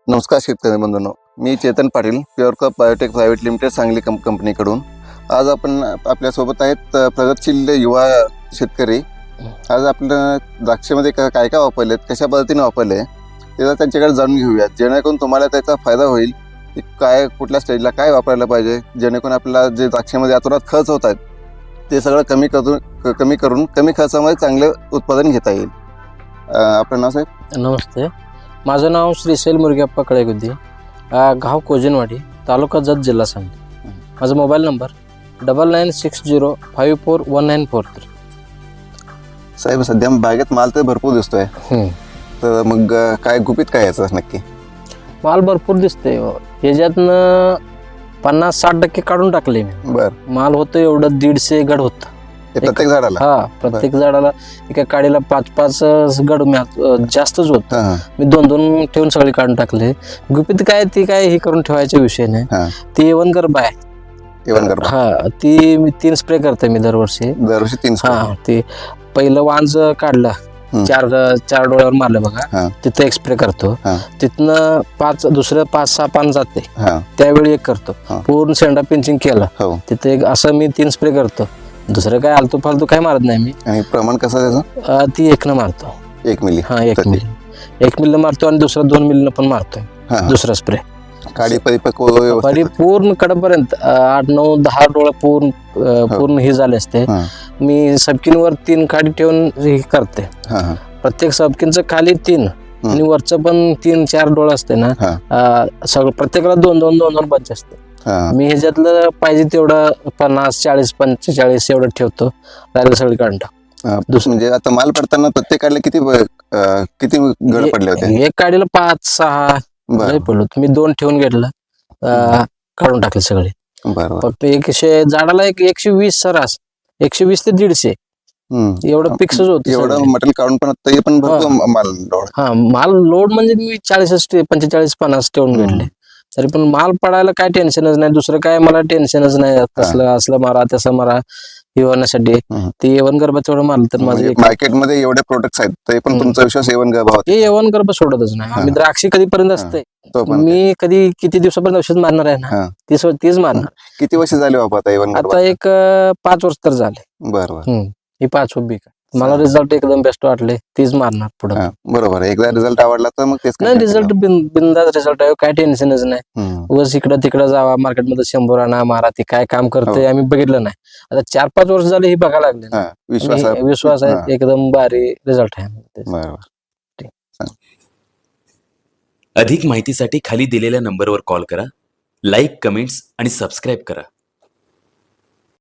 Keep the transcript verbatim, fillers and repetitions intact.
नमस्कार शेतकरी बंधूंनो, मी Chetan Patil, pure crop biotech private limited Sangli कंप कंपनीकडून. आज आपण आपल्यासोबत आहेत अ, प्रगतशील युवा शेतकरी. आज आपल्या द्राक्षामध्ये का काय काय वापरलेत, कशा पद्धतीने वापरले ते त्यांच्याकडे जाणून घेऊयात, जेणेकरून तुम्हाला त्याचा फायदा होईल. की काय कुठल्या स्टेजला काय वापरायला पाहिजे, जेणेकरून आपल्याला जे द्राक्षामध्ये अतोनात खर्च होत आहेत ते सगळं कमी करून क- कमी करून कमी खर्चामध्ये चांगले उत्पादन घेता येईल. अ, आपलं नाव साहेब? नमस्ते, माझं नाव श्रीशैल मुरगप्पा कळेगुद्दी, गाव कोजनवाडी, तालुका जत, जिल्हा सांगली. माझा mobile number double nine six zero five four one nine four three. साहेब, सध्या बागेत माल तर भरपूर दिसतोय, तर मग अ, काय गुपित काय याचं नक्की? माल भरपूर दिसतंय. ह्याच्यातनं पन्नास साठ टक्के काढून टाकले मी. बर, माल होतं एवढं दीडशे गड होतं. ते प्रत्येक झाडाला? हा, प्रत्येक झाडाला एका काडीला पाच पाच गड मी हात- जास्तच होत. हा, हा, मी दोन दोन ठेवून सगळे काढून टाकले. गुपित काय ती काय हे करून ठेवायचा विषय नाही. हा. ती एवन गरबा आहे. एवन गरबा हा, ती मी तीन स्प्रे करते मी दरवर्षी. दरवर्षी तीन spray. हा, ते पहिलं वांज काढलं, हम्म. चार चार डोळ्यावर मारलं हा. बघा, तिथं एक स्प्रे करतो. हा. तिथनं पाच दुसरं पाच सहा पान जाते, हा, त्यावेळी एक करतो. हा. पूर्ण शेंडा पिंचिंग केलं, हो. तिथे एक असं मी तीन स्प्रे करतो. दुसरं काय आलतू फालतू काय मारत नाही मी. आणि प्रमाण कसं त्याचं? अं, ती एकनं मारतो. एक मिली? हा, एक प्रति? मिली एक मिलीनं मारतो आणि दुसरा दोन मिलीनं पण मारतोय. हा, हा. दुसरा स्प्रे काडी परिपक्व व्यवस्थित? परिपूर्ण कडपर्यंत आठ नऊ दहा डोळा पूर्ण अं, पूर्ण हे झाले असते. हा, मी सबकिनवर तीन काडी ठेवून हे करते. हा, हा. प्रत्येक सबकिनचं खाली तीन आणि वरचं पण तीन चार डोळा असते ना. हा. अं, सगळं प्रत्येकाला दोन दोन दोन दोन बंच असते. हा. मी ह्याच्यातलं पाहिजे तेवढं पन्नास चाळीस पंचेचाळीस एवढं ठेवतो, राहिलं सगळी काढून टाकतो. हा, म्हणजे आता माल पडताना प्रत्येकाला किती ब- अ, किती गड पडले होते? एक काडीला पाच सहा बरं, नाही पडलो. मी दोन ठेवून घेतलं, अं, काढून टाकले सगळे. बरं. फक्त एकशे झाडाला एक एकशे वीस सरास एकशे वीस ते दीडशे हम्म. एवढं फिक्सच होतं एवढं सगळे. मटेरियल काढून पण तरी पण भरपूर हा. माल लोड. हा, माल लोड म्हणजे मी चाळीस पंचेचाळीस पन्नास ठेवून हम्म. घेतले. तरी पण माल पडायला काय टेन्शनच नाही. दुसरं काय मला टेन्शनच नाही. कसलं असलं मारा तसं मारा हे होण्यासाठी हम्म. ते एवन गर्भ तेवढं मारलं तर माझं म्हणजे एक- मार्केटमध्ये एवढे प्रोडक्ट्स आहेत तरी पण हम्म. तुमचा विश्वास एवन गरबा हे होते? एवन गर्भ सोडतच नाही. आम्ही द्राक्षी कधीपर्यंत असते, तो पण ते. मी कधी किती दिवसापर्यंत औषध मारणार आहे ना, हा. तीच तीच मारणार. किती वर्ष झाले बाबा आता एवन गरबा? आता एक अं, पाच वर्ष तर झाले. बरं, बरं. हम्म. ही पाच उभी का मला चालेल. रिझल्ट एकदम बेस्ट वाटले, तीच मारणार पुढे. हा, बरोबर आहे. एकदा रिझल्ट आवडला तर मग तेच नाही, continue रिझल्ट बिंदास रिझल्ट आहे, काय टेन्शनच नाही. करा. हम्म. उगाच इकडं तिकडं जावा मार्केटमध्ये शंभर आणा मारा, ते काय काम करते हो. आम्ही बघितलं नाही. आता चार पाच वर्ष झाले हे बघायला लागले. हा, विश्वास आणि आहे. विश्वास हा. आहे, एकदम भारी रिझल्ट आहे. बरोबर. अधिक माहितीसाठी खाली दिलेल्या नंबरवर कॉल करा, लाईक, कमेंट्स आणि सबस्क्राईब करा.